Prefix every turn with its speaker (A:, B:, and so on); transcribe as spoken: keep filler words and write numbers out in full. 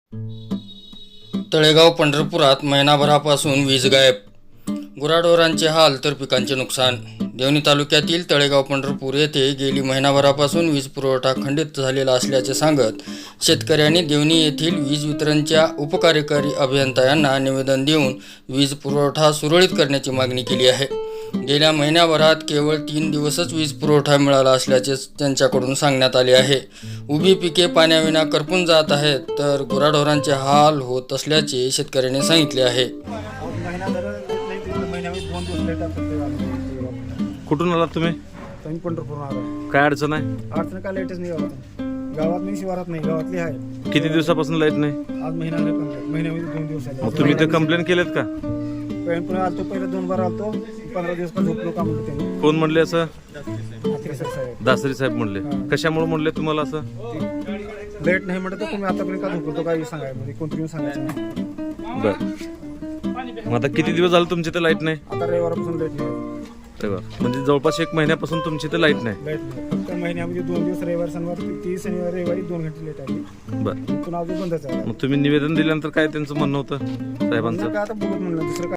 A: तळेगाव पंढरपुरात महिनाभरापासून वीज गायब. गुराढोरांचे हाल तर पिकांचे नुकसान. देवणी तालुक्यातील तळेगाव पंढरपूर येथे गेली महिनाभरापासून वीज पुरवठा खंडित झालेला असल्याचे सांगत शेतकऱ्यांनी देवणी येथील वीज वितरणच्या उपकार्यकारी अभियंता यांना निवेदन देऊन वीज पुरवठा सुरळीत करण्याची मागणी केली आहे. गेल्या महिन्याभरात केवळ तीन दिवसच वीज पुरवठा मिळाला असल्याचे त्यांच्याकडून सांगण्यात आले आहे. उभी पिके पाण्याविना करपून जात आहेत, तर गुराढोरांचे हाल होत असल्याचे शेतकऱ्यांनी सांगितले आहे.
B: कुठून आलात तुम्ही?
C: तुम्ही पंढरपूर आला.
B: काय अडचण आहे?
C: अडचण काय लाईटच नाही गावात. गावात नाही, शिवारात नाही, गावातली आहे.
B: किती दिवसापासून लाईट नाही?
C: आज महिना नाही, कंप्लीट महिन्यामध्ये दोन दिवस आले.
B: मग तुम्ही ते कंप्लेंट केलेत का?
C: पुन्हा आलतो, पहिले दोन बार आलतो, पंधरा दिवस का झोपलो का म्हणतो त्यांनी.
B: कोण म्हणले असं?
C: म्हात्रे सर साहेब.
B: दासरी साहेब म्हणले. कशामुळे म्हणले तुम्हाला असं?
C: लाईट नाही म्हणत तर तुम्ही आतापर्यंत का झोपलो काय सांगाय, म्हणजे कोणतरी सांगायचं नाही.
B: बर, मग आता किती दिवस झाले तुमची तर लाईट नाही?
C: आता रविवारपासून लाईट नाही.
B: रविवार म्हणजे जवळपास एक महिन्यापासून तुमची तर लाईट नाही?
C: लाईट नाही, फक्त महिन्यामध्ये दोन दिवस रविवार शनिवार, ती शनिवार रविवारी दोन घंटे लाईट आली.
B: बर,
C: पुन्हा अजून बंदच आहे.
B: मग तुम्ही निवेदन दिल्यानंतर काय त्यांचं म्हणणं होतं साहेबांचं?
C: काय आता बघत म्हणलं दुसरं काय.